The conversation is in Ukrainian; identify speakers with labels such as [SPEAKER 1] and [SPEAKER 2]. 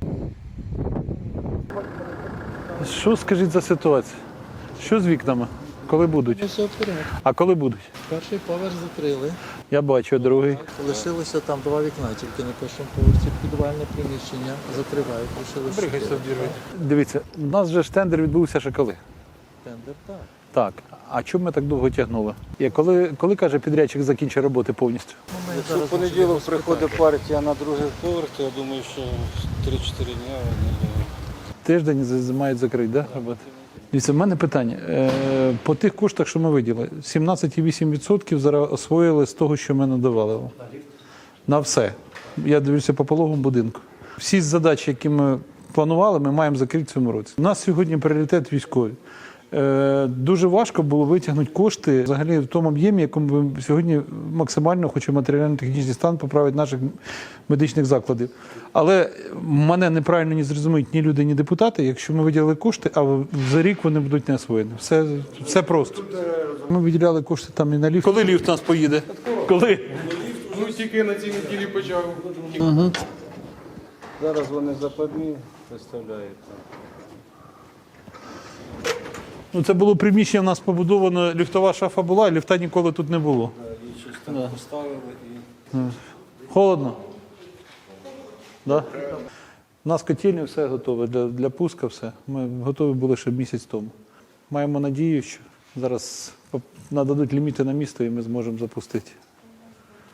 [SPEAKER 1] Що скажіть за ситуацію? Що з вікнами? Коли будуть?
[SPEAKER 2] Все вперед.
[SPEAKER 1] А коли будуть?
[SPEAKER 2] Перший поверх закрили.
[SPEAKER 1] Я бачу, другий.
[SPEAKER 2] Лишилося там 2 вікна, тільки на першому поверсі підвальне приміщення закривають. Лишилося 4.
[SPEAKER 1] Дивіться, у нас же ж тендер відбувся ще коли?
[SPEAKER 2] Тендер, так.
[SPEAKER 1] Так. А чому ми так довго тягнули? І коли каже підрядчик закінчить роботи повністю?
[SPEAKER 2] Ми
[SPEAKER 3] Якщо
[SPEAKER 2] зараз
[SPEAKER 3] в понеділок
[SPEAKER 2] можемо
[SPEAKER 3] приходить
[SPEAKER 2] спитати.
[SPEAKER 3] партія на другий поверх, то я думаю, що 3-4 дні вони
[SPEAKER 1] Тиждень мають закрити, да, роботи? Дивіться, в мене питання. По тих коштах, що ми виділили, 17,8% зараз освоїли з того, що ми надавали. На все. Я дивлюся по пологовому будинку. Всі задачі, які ми планували, ми маємо закрити в цьому році. У нас сьогодні пріоритет військові. Дуже важко було витягнути кошти взагалі в тому об'ємі, якому ми сьогодні максимально хочемо матеріально-технічний стан поправити наших медичних закладів. Але мене неправильно не зрозуміють ні люди, ні депутати, якщо ми виділили кошти, а за рік вони будуть не освоєні. Все просто. Ми виділяли кошти там і на ліфт. Коли ліфт у нас поїде? Коли?
[SPEAKER 4] Ну, тільки на цій неділі почав.
[SPEAKER 3] зараз вони западні виставляють.
[SPEAKER 1] Ну, це було приміщення, в нас побудовано, ліфтова шафа була, і ліфта ніколи тут не було.
[SPEAKER 3] Її щось там поставили і...
[SPEAKER 1] Холодно? Да? У нас котельні все готове, для пуска все. Ми готові були ще місяць тому. Маємо надію, що зараз нададуть ліміти на місто і ми зможемо запустити.